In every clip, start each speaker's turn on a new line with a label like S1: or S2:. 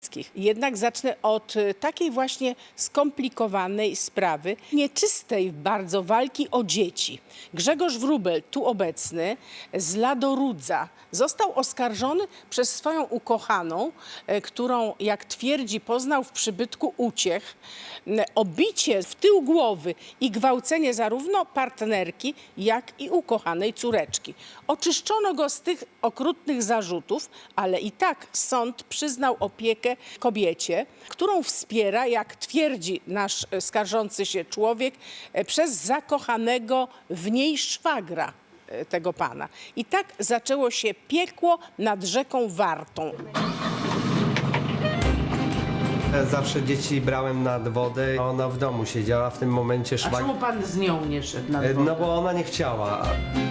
S1: Kowalskich. Jednak zacznę od takiej właśnie skomplikowanej sprawy, nieczystej bardzo walki o dzieci. Grzegorz Wróbel, tu obecny, z Ladorudza, został oskarżony przez swoją ukochaną, którą, jak twierdzi, poznał w przybytku uciech, o bicie w tył głowy i gwałcenie zarówno partnerki, jak i ukochanej córeczki. Oczyszczono go z tych okrutnych zarzutów, ale i tak sąd przyznał opiekę kobiecie, którą wspiera, jak twierdzi nasz skarżący się człowiek, przez zakochanego w niej szwagra tego pana. I tak zaczęło się piekło nad rzeką Wartą.
S2: Zawsze dzieci brałem nad wodę, a ona w domu siedziała. W tym momencie
S1: A czemu pan z nią nie szedł nad wodę?
S2: No bo ona nie chciała.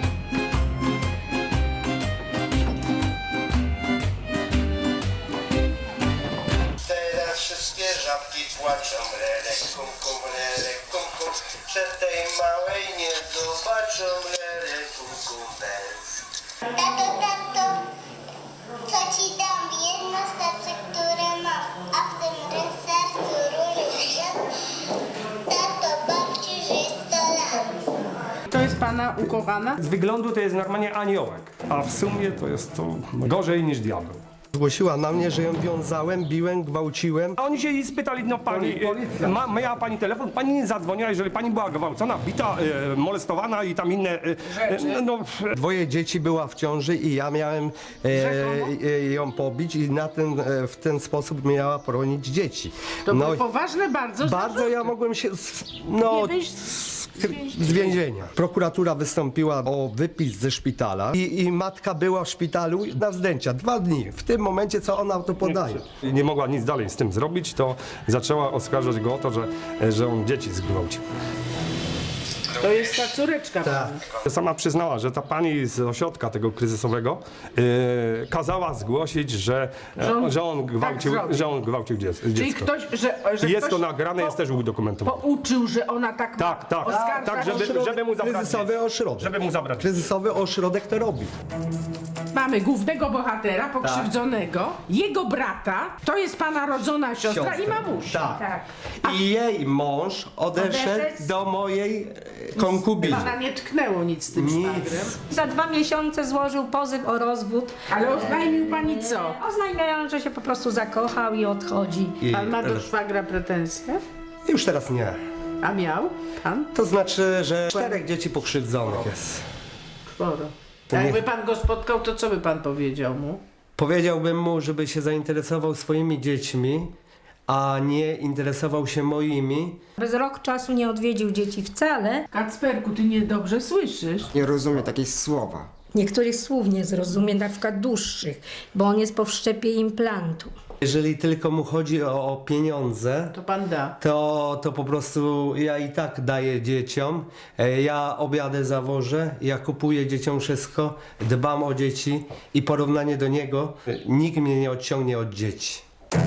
S3: Teraz wszystkie żabki płaczą, lelek, kum, kum, lelek, kum, kum. Przed tej małej nie zobaczą, lelek, kum, kum, bez.
S4: Tato, co ci dam? Jedno serce, które mam, a w tym sercu różnie. Tato, babci, żyj 100 lat.
S1: To jest pana ukochana?
S5: Z wyglądu to jest normalnie aniołek, a w sumie to jest to gorzej niż diabeł.
S2: Zgłosiła na mnie, że ją wiązałem, biłem, gwałciłem.
S5: A oni się jej spytali, no pani, miała pani telefon, pani nie zadzwoniła, jeżeli pani była gwałcona, bita, molestowana i tam inne, no...
S2: Dwoje dzieci była w ciąży i ja miałem ją pobić i w ten sposób miała poronić dzieci.
S1: To były poważne bardzo
S2: Bardzo ja mogłem się z więzienia. Prokuratura wystąpiła o wypis ze szpitala i matka była w szpitalu na wzdęcia 2 dni. W tym momencie, co ona to podaje.
S5: Nie mogła nic dalej z tym zrobić, to zaczęła oskarżać go o to, że on dzieci zgwałcił.
S1: To jest ta córeczka pani.
S5: Sama przyznała, że ta pani z ośrodka tego kryzysowego kazała zgłosić, że on gwałcił
S1: Czyli
S5: dziecko.
S1: ktoś, że
S5: Jest
S1: ktoś
S5: to nagrane, jest też udokumentowane.
S1: pouczył, że ona tak
S5: Tak, żeby mu zabrać.
S2: Kryzysowy ośrodek.
S5: Żeby mu zabrać.
S2: Kryzysowy ośrodek to robi.
S1: Mamy głównego bohatera, pokrzywdzonego, jego brata, to jest pana rodzona siostra i mamusia.
S2: Tak. I jej mąż odeszedł do mojej konkubiny.
S1: Pana nie tknęło nic z tym szwagrem.
S6: Za 2 miesiące złożył pozew o rozwód,
S1: Ale oznajmił pani co?
S6: oznajmiając, że się po prostu zakochał i odchodzi.
S1: Pan ma do szwagra pretensje?
S2: Już teraz nie.
S1: A miał pan?
S2: To znaczy, że 4 dzieci pokrzywdzonych jest.
S1: Sporo. A jakby pan go spotkał, to co by pan powiedział mu?
S2: Powiedziałbym mu, żeby się zainteresował swoimi dziećmi, a nie interesował się moimi.
S6: Bez rok czasu nie odwiedził dzieci wcale.
S1: Kacperku, ty niedobrze słyszysz.
S7: Nie rozumie takich słowa.
S6: Niektórych słów nie zrozumie, na przykład dłuższych, bo on jest po wszczepie implantu.
S2: Jeżeli tylko mu chodzi o pieniądze,
S1: To pan da.
S2: to po prostu ja i tak daję dzieciom. Ja obiady zawożę, ja kupuję dzieciom wszystko, dbam o dzieci i porównanie do niego, nikt mnie nie odciągnie od dzieci.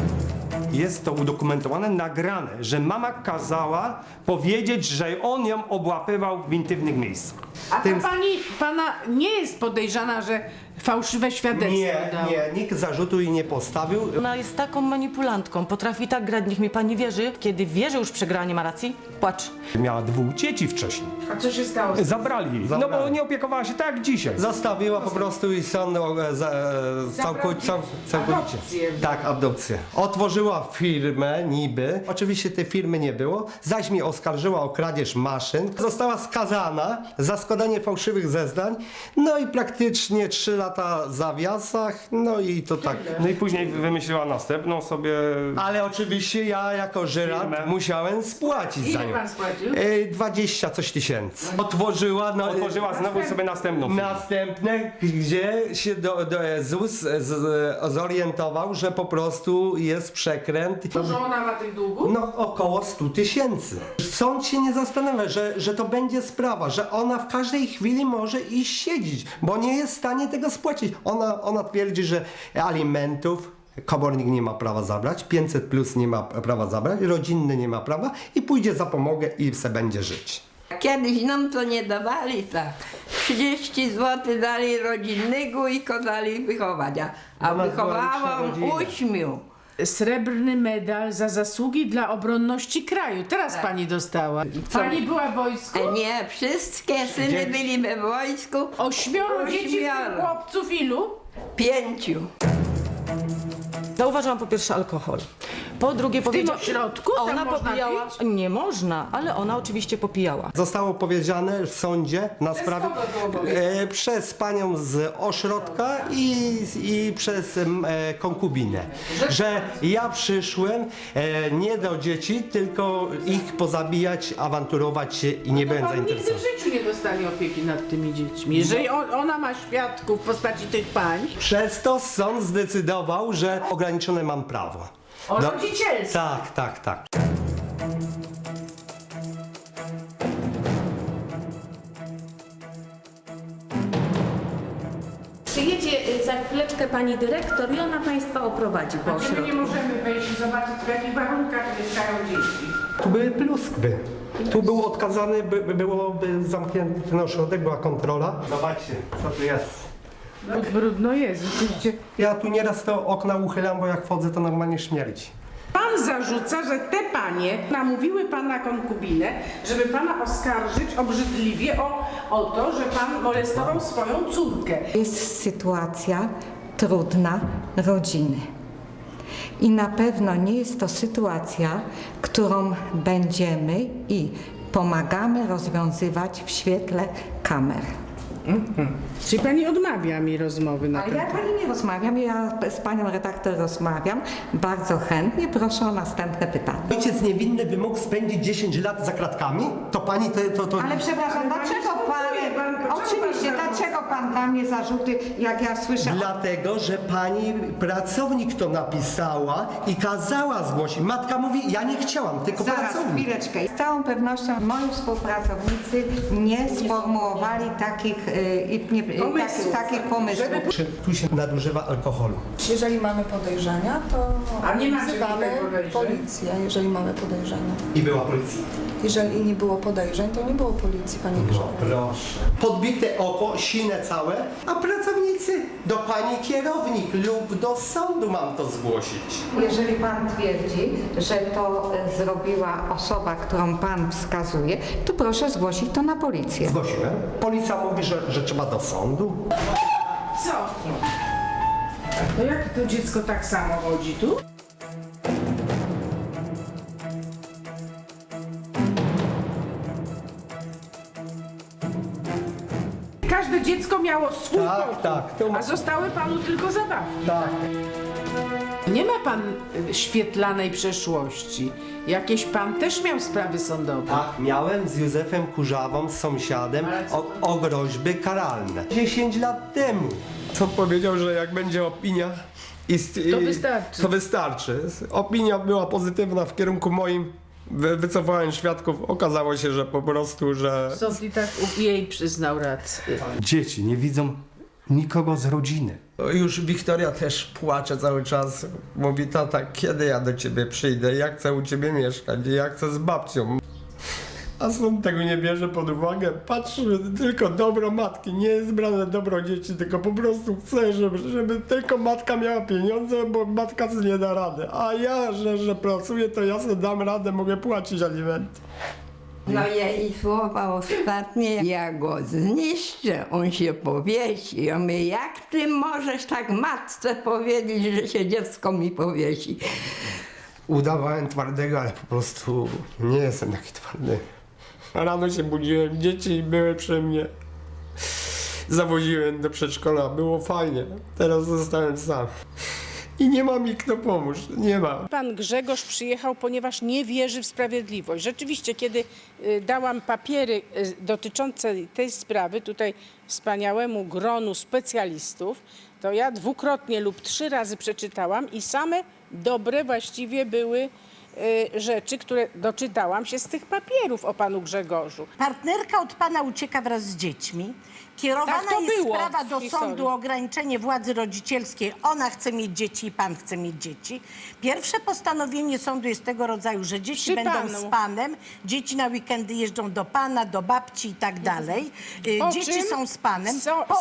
S5: Jest to udokumentowane, nagrane, że mama kazała powiedzieć, że on ją obłapywał w intymnych miejscach.
S1: A ta pana nie jest podejrzana, że fałszywe świadectwo dała?
S2: Nie, nikt zarzutu jej nie postawił.
S8: Ona jest taką manipulantką, potrafi tak grać, niech mi pani wierzy. Kiedy wie, że już przegrała, nie ma racji, płacz.
S5: Miała 2 dzieci wcześniej.
S1: A co się stało?
S5: Zabrali jej, no bo nie opiekowała się tak jak dzisiaj.
S2: Zostawiła po prostu i sąd całkowicie.
S1: Adopcję.
S2: Tak, adopcję. Otworzyła firmę niby. Oczywiście tej firmy nie było. Zaś mnie oskarżyła o kradzież maszyn. Została skazana za składanie fałszywych zeznań. No i praktycznie 3 lata w zawiasach. No i to tak.
S5: No i później wymyśliła następną sobie...
S2: Ale oczywiście ja jako żyrant
S5: Firmę.
S2: musiałem spłacić za
S1: Ile
S2: nią.
S1: pan spłacił?
S2: 20 coś tysięcy. Otworzyła
S5: znowu sobie następną firmę.
S2: Następne, gdzie się ZUS zorientował, że po prostu jest przekręt.
S1: Dużo ona ma tych długów?
S2: No około 100 000. Sąd się nie zastanawia, że to będzie sprawa, że ona w każdej chwili może iść siedzieć, bo nie jest w stanie tego spłacić. Ona twierdzi, że alimentów komornik nie ma prawa zabrać, 500 plus nie ma prawa zabrać, rodzinny nie ma prawa i pójdzie za pomogę i se będzie żyć.
S9: Kiedyś nam to nie dawali tak. 30 zł dali rodzinnego i kazali wychowania, a
S2: Ona
S9: wychowałam
S2: była liczna rodzina.
S9: 8.
S1: srebrny medal za zasługi dla obronności kraju. Teraz pani dostała. Pani była w wojsku?
S9: Nie, wszystkie syny byli we wojsku.
S1: 8 dzieci, w tym chłopców ilu?
S9: 5.
S8: Zauważyłam po pierwsze alkohol. Po drugie powiedziała...
S1: ośrodku? Tam
S8: Ona
S1: można
S8: popijała...
S1: pić?
S8: Nie można, ale ona oczywiście popijała.
S2: Zostało powiedziane w sądzie na sprawie przez panią z ośrodka i przez konkubinę, że ja przyszłem nie do dzieci, tylko ich pozabijać, awanturować się i nie będę
S1: Pan nigdy w
S2: zainteresowany.
S1: życiu nie dostali opieki nad tymi dziećmi. Jeżeli ona ma świadków w postaci tych pań,
S2: Przez to sąd zdecydował, że ograniczone mam prawo.
S1: o rodzicielstwie.
S2: Tak.
S7: Przyjedzie za chwileczkę pani dyrektor i ona państwa oprowadzi po
S1: My nie
S7: ośrodku.
S1: możemy wejść i zobaczyć, w jakich warunkach mieszkają dzieci.
S2: Tu były pluskwy. Tu był odkazany, byłoby zamknięty ten ośrodek, była kontrola. Zobaczcie, co tu jest.
S1: Brudno jest, rzeczywiście.
S2: Ja tu nieraz to okna uchylam, bo jak wchodzę, to normalnie śmierdzi.
S1: Pan zarzuca, że te panie namówiły pana konkubinę, żeby pana oskarżyć obrzydliwie o to, że pan molestował swoją córkę.
S10: Jest sytuacja trudna rodziny. I na pewno nie jest to sytuacja, którą będziemy i pomagamy rozwiązywać w świetle kamer.
S1: Czyli pani odmawia mi rozmowy na
S10: Ale
S1: ten
S10: ja pani nie rozmawiam, ja z panią redaktor rozmawiam. Bardzo chętnie, proszę o następne pytanie.
S2: Ojciec niewinny by mógł spędzić 10 lat za kratkami? To pani to...
S10: Ale przepraszam, dlaczego oczywiście, dlaczego pan da mnie zarzuty, jak ja słyszę...
S2: Dlatego, że pani pracownik to napisała i kazała zgłosić. Matka mówi, ja nie chciałam, tylko
S10: Zaraz,
S2: pracownik.
S10: chwileczkę. Z całą pewnością moi współpracownicy nie sformułowali takich pomysłów.
S2: Tu się nadużywa alkoholu.
S11: Jeżeli mamy podejrzenia, to
S1: A nie macie
S11: wzywamy
S1: tutaj podejrzeń?
S11: policję, jeżeli mamy podejrzenia.
S2: I była policja.
S11: Jeżeli nie było podejrzeń, to nie było policji, pani Grzegorz.
S2: Proszę. Podbite oko, sine całe, a pracownicy do pani kierownik lub do sądu mam to zgłosić.
S10: Jeżeli pan twierdzi, że to zrobiła osoba, którą pan wskazuje, to proszę zgłosić to na policję.
S2: Zgłosiłem. Policja mówi, że trzeba do sądu.
S1: Co? To jak to dziecko tak samo chodzi tu? Każde dziecko miało swój pokój,
S2: tak.
S1: a zostały panu tylko zabawki.
S2: Tak.
S1: Nie ma pan świetlanej przeszłości. Jakieś pan też miał sprawy sądowe.
S2: Tak, miałem z Józefem Kurzawą, z sąsiadem, o groźby karalne. 10 lat temu. Co powiedział, że jak będzie opinia...
S1: To wystarczy.
S2: To wystarczy. Opinia była pozytywna w kierunku moim. Wycofałem świadków. Okazało się, że po prostu, że...
S1: Sąd i tak jej przyznał rację.
S2: Dzieci nie widzą nikogo z rodziny. Już Wiktoria też płacze cały czas. Mówi, tata, kiedy ja do ciebie przyjdę? Ja chcę u ciebie mieszkać, ja chcę z babcią. A sąd tego nie bierze pod uwagę. Patrzy tylko dobro matki. Nie jest brane dobro dzieci, tylko po prostu chce, żeby tylko matka miała pieniądze, bo matka sobie nie da rady. A ja, że pracuję, to ja sobie dam radę, mogę płacić alimenty.
S9: No jej słowa ostatnie, ja go zniszczę, on się powiesi. Ja mówię, jak ty możesz tak matce powiedzieć, że się dziecko mi powiesi?
S2: Udawałem twardego, ale po prostu nie jestem taki twardy. Rano się budziłem, dzieci były przy mnie. Zawoziłem do przedszkola, było fajnie. Teraz zostałem sam. I nie ma mi kto pomóc, nie ma.
S1: Pan Grzegorz przyjechał, ponieważ nie wierzy w sprawiedliwość. Rzeczywiście, kiedy dałam papiery dotyczące tej sprawy tutaj wspaniałemu gronu specjalistów, to ja 2-krotnie lub 3 razy przeczytałam i same dobre właściwie były rzeczy, które doczytałam się z tych papierów o panu Grzegorzu.
S12: Partnerka od pana ucieka wraz z dziećmi. Kierowana
S1: Tak to
S12: jest
S1: było
S12: sprawa
S1: w
S12: do
S1: historii.
S12: sądu o ograniczenie władzy rodzicielskiej. Ona chce mieć dzieci i pan chce mieć dzieci. Pierwsze postanowienie sądu jest tego rodzaju, że dzieci
S1: Przy
S12: będą
S1: panu.
S12: z panem, dzieci na weekendy jeżdżą do pana, do babci i tak dalej.
S1: Po
S12: Dzieci
S1: czym
S12: są z panem.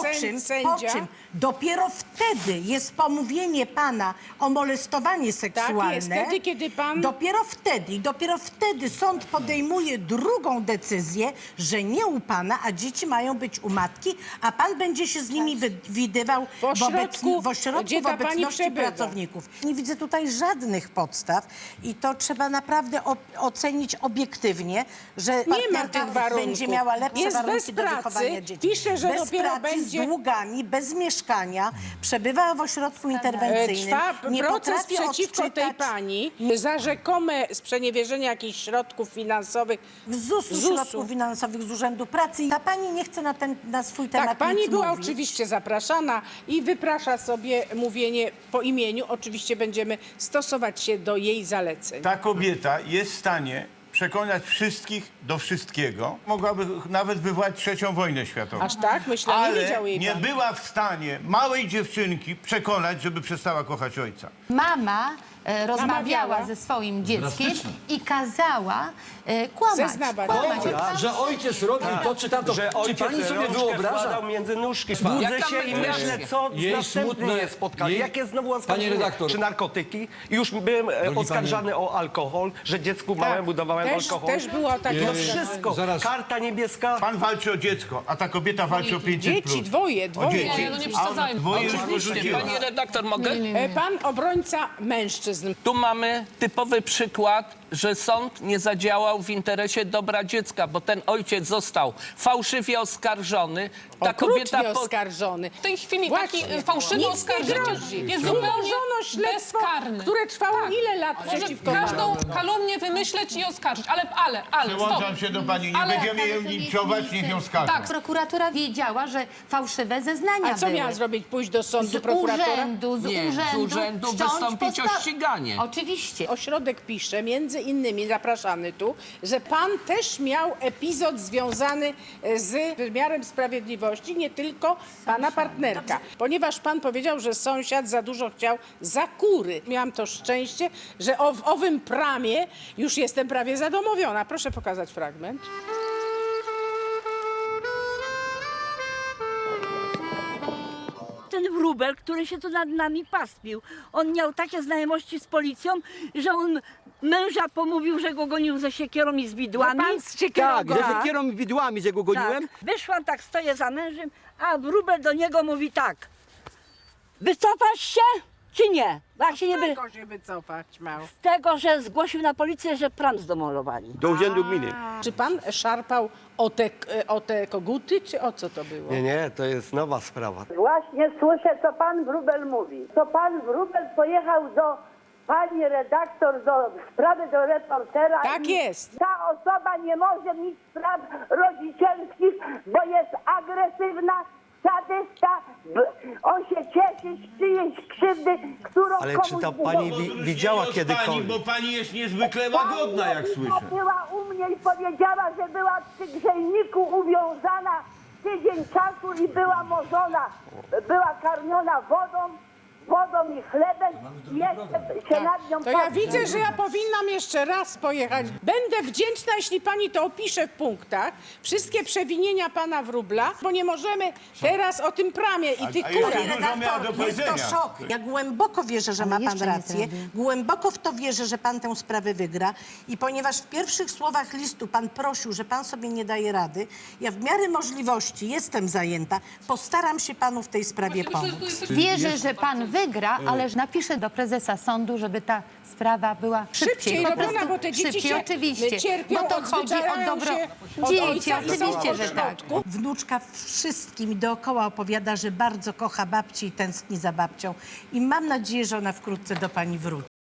S1: sędzia?
S12: Dopiero wtedy jest pomówienie pana o molestowanie seksualne.
S1: jest, wtedy, kiedy pan-
S12: Dopiero wtedy sąd podejmuje drugą decyzję, że nie u pana, a dzieci mają być u matki, a pan będzie się z nimi widywał
S1: W ośrodku,
S12: w ośrodku
S1: gdzie
S12: w
S1: ta pani
S12: obecności
S1: przebywa.
S12: pracowników. Nie widzę tutaj żadnych podstaw i to trzeba naprawdę ocenić obiektywnie, że
S1: Nie ma
S12: partnerka
S1: tych warunków.
S12: będzie miała lepsze
S1: Jest
S12: warunki
S1: bez
S12: do
S1: pracy,
S12: wychowania dzieci.
S1: pisze, że
S12: bez
S1: dopiero
S12: pracy,
S1: będzie-
S12: z długami, bez mieszkania, przebywa w ośrodku interwencyjnym.
S1: Trwa
S12: nie
S1: proces
S12: potrafi
S1: przeciwko tej
S12: odczytać
S1: pani za rzekome sprzeniewierzenie jakichś środków finansowych
S12: z ZUS-u, środków finansowych, z Urzędu Pracy. Ta pani nie chce na swój temat
S1: Tak, pani
S12: nic
S1: była
S12: mówić.
S1: oczywiście zapraszana i wyprasza sobie mówienie po imieniu. Oczywiście będziemy stosować się do jej zaleceń.
S13: Ta kobieta jest w stanie przekonać wszystkich do wszystkiego. Mogłaby nawet wywołać trzecią wojnę światową.
S1: Aż tak? Myślę, nie
S13: Ale
S1: wiedział jej
S13: nie
S1: pan.
S13: była w stanie małej dziewczynki przekonać, żeby przestała kochać ojca.
S14: Mama rozmawiała
S1: Namawiała.
S14: ze swoim dzieckiem i kazała kłamać.
S1: Zeznawać.
S15: Że ojciec robił to czy tamto.
S2: Że
S15: Czy
S2: ojciec
S15: pani sobie
S2: rączkę
S15: wyobraża?
S2: wkładał między nóżki. Budzę się i myślę, co
S15: Jej
S2: następne
S15: smutne-
S2: jest spotkanie.
S15: jej-
S2: Jakie znowu
S15: Panie
S2: oskarżenie?
S15: redaktor.
S2: Czy narkotyki? I już byłem oskarżany o alkohol, że dziecku małemu dawałem alkohol.
S1: Też było takie
S2: No
S1: oskarżenie.
S2: wszystko.
S15: Zaraz.
S2: Karta niebieska.
S13: Pan walczy o dziecko, a ta kobieta walczy o 500+.
S1: Dzieci, dwoje.
S13: O dzieci.
S1: Nie,
S16: no nie
S13: A
S16: przesadzajmy.
S13: dwoje już
S16: Oczywiście,
S13: porzuciła.
S16: pani redaktor, mogę?
S1: Pan obrońca mężczyzn.
S16: Tu mamy typowy przykład, że sąd nie zadziałał w interesie dobra dziecka, bo ten ojciec został fałszywie oskarżony. Ta
S1: Okrutnie oskarżony.
S16: W tej chwili
S1: Właśnie.
S16: taki fałszywy
S1: Nic nie
S16: oskarżyciel
S1: grozi.
S16: jest zupełnie
S1: Umorzono śledztwo,
S16: bezkarny.
S1: które trwało
S16: Tak.
S1: ile lat
S16: Może
S1: przeciwko
S16: każdą
S1: panu?
S16: kalumnię wymyśleć i oskarżyć, ale
S13: Przełączam
S16: stop.
S13: się do pani, nie
S16: Ale-
S13: będziemy ją linczować, niech ją skażą.
S14: Tak, prokuratura wiedziała, że fałszywe zeznania
S1: A co
S14: były.
S1: miała zrobić? Pójść do sądu
S14: Z
S1: prokuratora?
S14: urzędu, z urzędu wszcząć
S16: wystąpić o ściganie.
S14: Oczywiście.
S1: Ośrodek pisze, między innymi zapraszany tu, że pan też miał epizod związany z wymiarem sprawiedliwości, nie tylko pana partnerka. Ponieważ pan powiedział, że sąsiad za dużo chciał za kury. Miałam to szczęście, że w owym pramie już jestem prawie zadomowiona. Proszę pokazać fragment.
S17: Ten wróbel, który się tu nad nami pastwił, on miał takie znajomości z policją, że on męża pomówił, że go gonił ze siekierą i z widłami.
S1: Pan z siekierą
S17: Tak,
S1: go-
S17: że
S1: Tak.
S17: siekierą i widłami, że go goniłem. Tak. Wyszłam, tak stoję za mężem, a wróbel do niego mówi tak: wycofasz się, czy nie? Bo jak się nie by...
S1: Tylko się wycofać miał.
S17: Tego, że zgłosił na policję, że pram zdemolowali.
S15: Do urzędu gminy.
S1: Czy pan szarpał o te koguty, czy o co to było?
S2: Nie, to jest nowa sprawa.
S17: Właśnie słyszę, co pan wróbel mówi. To pan wróbel pojechał do pani redaktor, do sprawy do reportera.
S1: Tak
S17: i
S1: jest.
S17: Ta osoba nie może mieć spraw rodzicielskich, bo jest agresywna, sadysta. On się cieszy z czyjejś krzywdy, którą
S2: Ale
S17: komuś
S2: czy ta
S17: było.
S2: pani widziała
S13: Pani,
S2: kiedykolwiek?
S13: bo pani jest niezwykle łagodna, jak
S17: Pani
S13: słyszę.
S17: była u mnie i powiedziała, że była przy grzejniku uwiązana tydzień czasu i była morzona. Była karmiona wodą i chlebem i jeszcze się nad nią
S1: To ja
S17: patrzy.
S1: widzę, że ja powinnam jeszcze raz pojechać. Będę wdzięczna, jeśli pani to opisze w punktach. Wszystkie przewinienia pana wróbla, bo nie możemy teraz o tym pramie i tych
S13: a jeszcze
S1: kurach.
S13: dużo miała do
S12: Jest
S13: powiedzenia.
S12: to szok. Ja głęboko wierzę, że ma pan rację. Głęboko w to wierzę, że pan tę sprawę wygra. I ponieważ w pierwszych słowach listu pan prosił, że pan sobie nie daje rady, ja w miarę możliwości jestem zajęta. Postaram się panu w tej sprawie pomóc.
S14: Wierzę, że pan wygra, ale napiszę do prezesa sądu, żeby ta sprawa była
S1: Szybciej
S14: Po
S1: robiona,
S14: prostu
S1: bo te dzieci
S14: szybciej,
S1: się
S14: oczywiście.
S1: cierpią,
S14: Bo to chodzi o
S1: odzwyczajają
S14: dobro
S1: się od
S14: dzieci,
S1: ojca i są
S14: oczywiście,
S1: w
S14: że tak.
S1: ośrodku.
S12: Wnuczka wszystkim dookoła opowiada, że bardzo kocha babci i tęskni za babcią. I mam nadzieję, że ona wkrótce do pani wróci.